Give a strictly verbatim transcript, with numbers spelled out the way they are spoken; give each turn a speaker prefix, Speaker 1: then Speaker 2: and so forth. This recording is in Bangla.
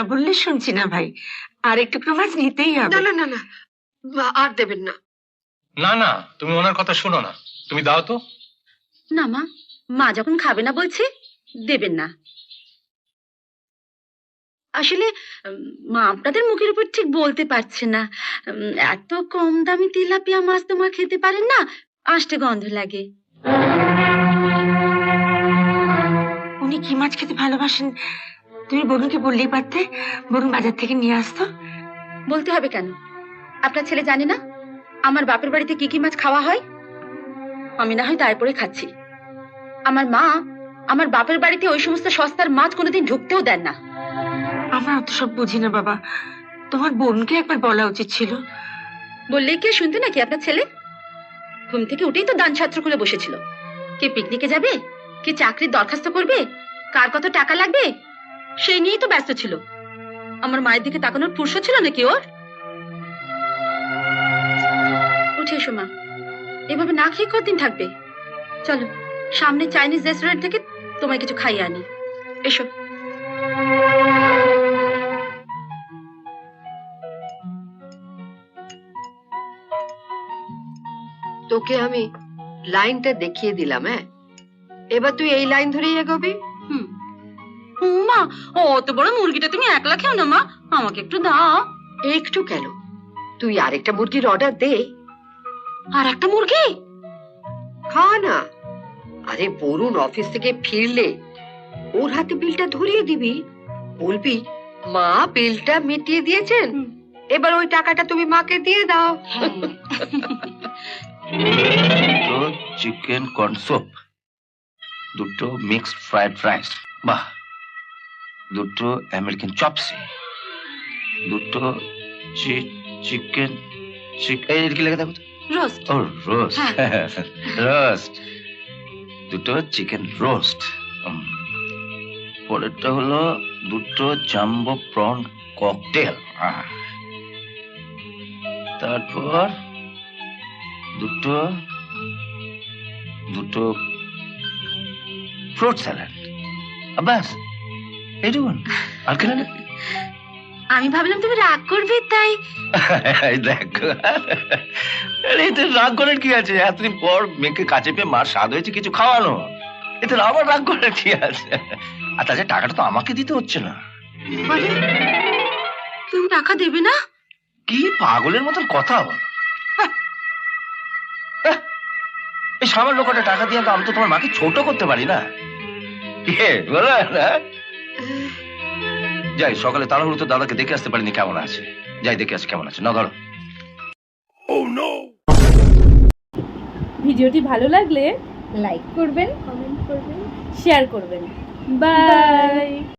Speaker 1: বললে শুনছি না ভাই, আর একটু মাছ নিতেই হবে।
Speaker 2: না না না না, আর দেবেন না।
Speaker 3: না না, তুমি ওনার কথা শোনো না, তুমি দাও তো।
Speaker 4: না মা, মা যখন খাবে না বলছে দেবেন না। আসলে মা আপনাদের মুখের উপর ঠিক বলতে পারছে না। এত কম দামি তেলাপিয়া মাছ তো মা খেতে পারেন না, আষ্টে গন্ধ লাগে।
Speaker 1: উনি কি মাছ খেতে ভালোবাসেন তুমি বরুণকে বললেই পারতে, বরুণ বাজার থেকে নিয়ে আসতো।
Speaker 4: বলতে হবে কেন? আপনার ছেলে জানে না আমার বাপের বাড়িতে কি কি মাছ খাওয়া হয়? আমি না হয় দায় পড়ে খাচ্ছি। আমার মা আমার বাপের বাড়িতে ওই সমস্ত সস্তার মাছ কোনোদিন ঢুকতেও দেন না।
Speaker 1: আমরা অত সব বুঝি না বাবা, তোমার বোনকে একবার বলা উচিত ছিল।
Speaker 4: বললেই কে শুনতে নাকি আপনার ছেলে? ঘুম থেকে উঠেই তো দান ছাত্র খুলে বসেছিল। কে পিকনিকে যাবে, কে চাকরির দরখাস্ত করবে, কার কত টাকা লাগবে, সেই নিয়েই তো ব্যস্ত ছিল। আমার মায়ের দিকে তাকানোর ফুরসত ছিল নাকি ওর? উঠে এসো মা, এভাবে না খেয়ে কতদিন থাকবে? চলো সামনে চাইনিজ রেস্টুরেন্ট থেকে তোমায় কিছু খাইয়ে আনি। এসো।
Speaker 2: তোকে আমি লাইনটা দেখিয়ে দিলাম, হ্যাঁ, এবার তুই এই লাইন ধরেই এগোবি।
Speaker 4: হুম মা, অত বড় মুরগিটা তুমি একলা খেও না মা, আমাকে একটু দাও।
Speaker 2: একটু কেন, তুই আরেকটা মুরগির অর্ডার দে।
Speaker 4: আর একটা মুরগি
Speaker 2: খা না। আরে বরুণ অফিস থেকে ফিরলে ওর হাতে বিলটা ধরিয়ে দিবি, বলবি মা বিলটা মিটিয়ে দিয়েছেন, এবার ওই টাকাটা তুমি মাকে দিয়ে দাও।
Speaker 5: দুটো চিকেন কর্ন স্যুপ, দুটো মিক্সড ফ্রাইড রাইস, বাহ, দুটো আমেরিকান চপসি, দুটো চিকেন চিকেন কি লেগে দেখো
Speaker 4: রোস্ট।
Speaker 5: ও রোস্ট, রোস্ট, দুটো চিকেন রোস্ট। পরেরটা হলো দুটো জাম্বো প্রন ককটেল, তারপর দুটো দুটো ফ্রুট স্যালাড, বাস এইটুকুন। আর কেন?
Speaker 4: আমি ভাবলাম তুমি রাগ করবে তাই।
Speaker 5: দেখো, এতে রাগ করার কি আছে? এতদিন পর মেয়েকে কাছে পেয়ে মার স্বাদ হয়েছে কিছু খাওয়ানো, এতে আবার রাগ করার কি আছে? আর তাছাড়া টাকাটা তো আমাকে দিতে হচ্ছে না।
Speaker 4: তুমি টাকা দেবে না?
Speaker 5: কি পাগলের মতন কথা বল! এই সামান্য কটা টাকা দিয়ে তো আমি তো তোমার মাকে ছোট করতে পারি না। বলো না? যাই, সকালে তাড়াহুড়ো তো দাদাকে দেখে আসতে পারিনি কেমন আছে। যাই দেখে আসি কেমন আছে। না ধরো।
Speaker 6: ভিডিওটি ভালো লাগলে লাইক করবেন, কমেন্ট করবেন, শেয়ার করবেন। বাই।